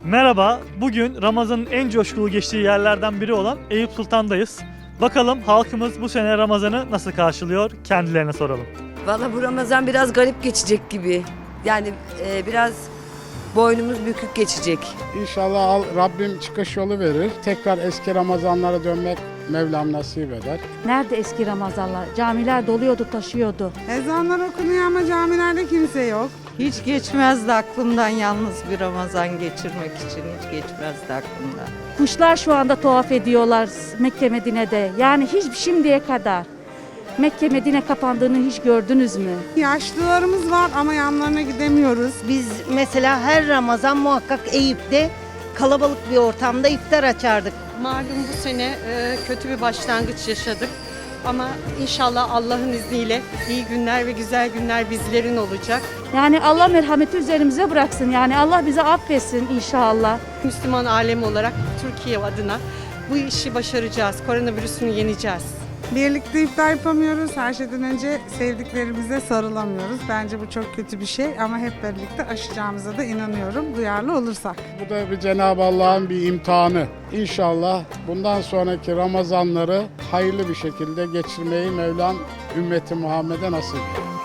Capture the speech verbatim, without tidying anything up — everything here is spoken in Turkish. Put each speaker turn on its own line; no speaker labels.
Merhaba, bugün Ramazan'ın en coşkulu geçtiği yerlerden biri olan Eyüp Sultan'dayız. Bakalım halkımız bu sene Ramazan'ı nasıl karşılıyor? Kendilerine soralım.
Valla bu Ramazan biraz garip geçecek gibi. Yani e, biraz boynumuz bükük geçecek.
İnşallah al- Rabbim çıkış yolu verir. Tekrar eski Ramazanlara dönmek Mevlam nasip eder.
Nerede eski Ramazanlar? Camiler doluyordu, taşıyordu.
Ezanlar okunuyor ama camilerde kimse yok.
Hiç geçmezdi aklımdan yalnız bir Ramazan geçirmek için hiç geçmezdi aklımdan.
Kuşlar şu anda tuhaf ediyorlar Mekke Medine'de. Yani hiç şimdiye kadar Mekke Medine kapandığını hiç gördünüz mü?
Yaşlılarımız var ama yanlarına gidemiyoruz.
Biz mesela her Ramazan muhakkak Eyüp'te kalabalık bir ortamda iftar açardık.
Malum bu sene e, kötü bir başlangıç yaşadık. Ama inşallah Allah'ın izniyle iyi günler ve güzel günler bizlerin olacak.
Yani Allah merhameti üzerimize bıraksın. Yani Allah bize affetsin inşallah.
Müslüman alem olarak Türkiye adına bu işi başaracağız. Koronavirüsünü yeneceğiz.
Birlikte iftar yapamıyoruz. Her şeyden önce sevdiklerimize sarılamıyoruz. Bence bu çok kötü bir şey ama hep birlikte aşacağımıza da inanıyorum. Duyarlı olursak.
Bu da bir Cenab-ı Allah'ın bir imtihanı. İnşallah bundan sonraki Ramazanları hayırlı bir şekilde geçirmeyi Mevlam ümmeti Muhammed'e nasip eder.